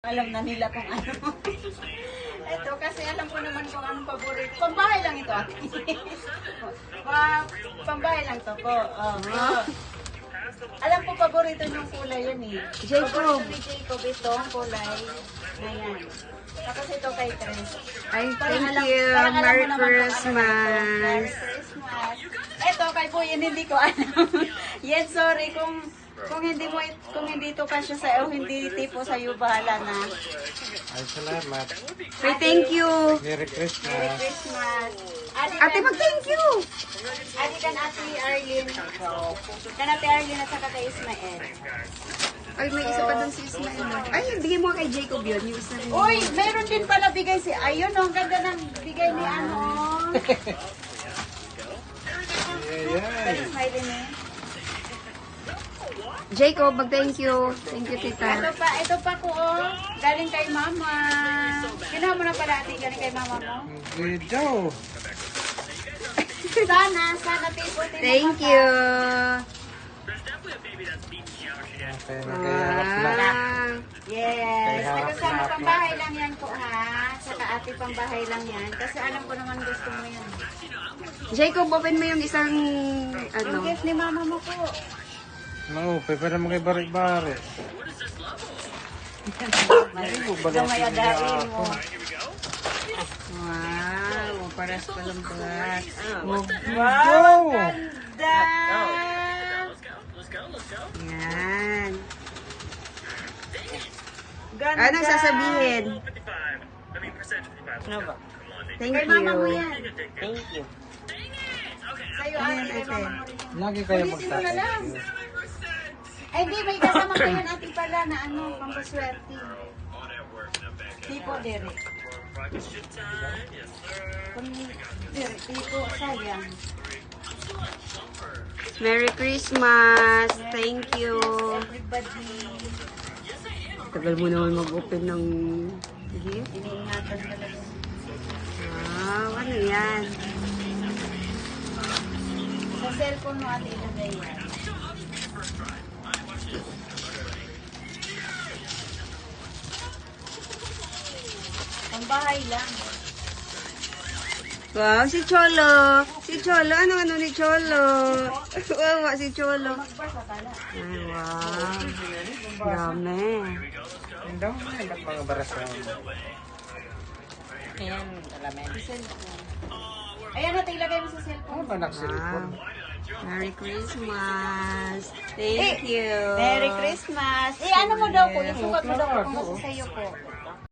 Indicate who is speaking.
Speaker 1: Alam na nila kung ano. Ito, kasi alam ko naman kung anong paborito. Pambahay lang ito, ate. Pambahay lang to po. Alam ko paborito niyong kulay yan eh.
Speaker 2: Jacob.
Speaker 1: Paborito ni Jacob itong kulay na yan. Tapos ito kay Tres.
Speaker 2: Ay,
Speaker 1: Parang
Speaker 2: thank
Speaker 1: alam-
Speaker 2: you.
Speaker 1: parang alam
Speaker 2: Merry
Speaker 1: mo naman kung ano na ito.
Speaker 2: Christmas.
Speaker 1: Merry Christmas. Ito kay Buyin, hindi ko alam. Yes, sorry kung hindi to kasya sa hindi tipo sa iyo, bahala na.
Speaker 3: Ay, salamat.
Speaker 2: Ay, thank you.
Speaker 3: Merry
Speaker 1: Merry
Speaker 3: Christmas.
Speaker 1: Christmas.
Speaker 2: Ate, mag-thank you.
Speaker 1: Adi kan Ate Arlene. Kan Ate Arlene at saka kay Ismael.
Speaker 2: Ay, may isa pa doon si Ismael. Ay, bigay mo kay Jacob yun. Yung isa rin.
Speaker 1: Uy, meron din pala bigay si... Ayun, ang ganda ng bigay ni ano. Kay Ismael eh.
Speaker 2: Jacob, mag-thank you. Thank you, tita.
Speaker 1: Ito pa ko, oh. Galing kay mama. Kinuha mo na pala, ate. Galing kay mama mo.
Speaker 3: Video.
Speaker 1: Sana tipo.
Speaker 2: Thank you.
Speaker 3: Okay, nagkaharap na.
Speaker 2: Ah,
Speaker 1: Yes.
Speaker 3: Kaya
Speaker 1: Kasama
Speaker 3: harap na.
Speaker 1: pambahay lang yan po, ha. Saka ate pambahay lang yan. Kasi alam ko naman gusto mo yan.
Speaker 2: Jacob, open mo yung isang,
Speaker 1: Ang
Speaker 2: ano.
Speaker 1: gift ni mama mo po.
Speaker 3: Naupe, pero mga bari-bari.
Speaker 1: Gamay adain mo.
Speaker 2: Wow, paras palang bulat. Oh.
Speaker 1: Wow, ganda!
Speaker 2: Yan.
Speaker 1: Ganda!
Speaker 2: Ano sasabihin?
Speaker 1: Ano ba?
Speaker 2: Thank
Speaker 1: Kay mama mo
Speaker 2: you.
Speaker 1: yan. Thank you. Sa'yo, ate, kay mama mo rin yan.
Speaker 3: Lagi kayo
Speaker 1: Ulitin mo na lang.
Speaker 3: magtatayo.
Speaker 1: Ay, di, may kasama ko yan, ate pala, na ano, pampaswerte. Tipo, Derek. Derek, tipo, sayang.
Speaker 2: Merry Christmas. Thank you.
Speaker 1: Everybody,
Speaker 2: Tagal mo naman mag-open ng gift.
Speaker 1: iniingatan talaga.
Speaker 2: Wow, ano yan?
Speaker 1: Sa cellphone mo, ate, ilagay yan. Pambahay lang.
Speaker 2: Wow, si Cholo. Si Cholo. Ano ni Cholo? Wow, si Cholo.
Speaker 1: Magbasa pala.
Speaker 2: Ay, wow. Dami.
Speaker 3: Ang dami na yung mga barasal.
Speaker 1: Ayan, alamin. Ayan, ate, ilagay mo sa
Speaker 3: Ano
Speaker 1: cellphone.
Speaker 3: ba nagsilipon?
Speaker 2: Wow. Merry Christmas. Thank you.
Speaker 1: Merry Christmas. Eh, ano mo daw po? Yung sukat mo daw po kung sa iyo po.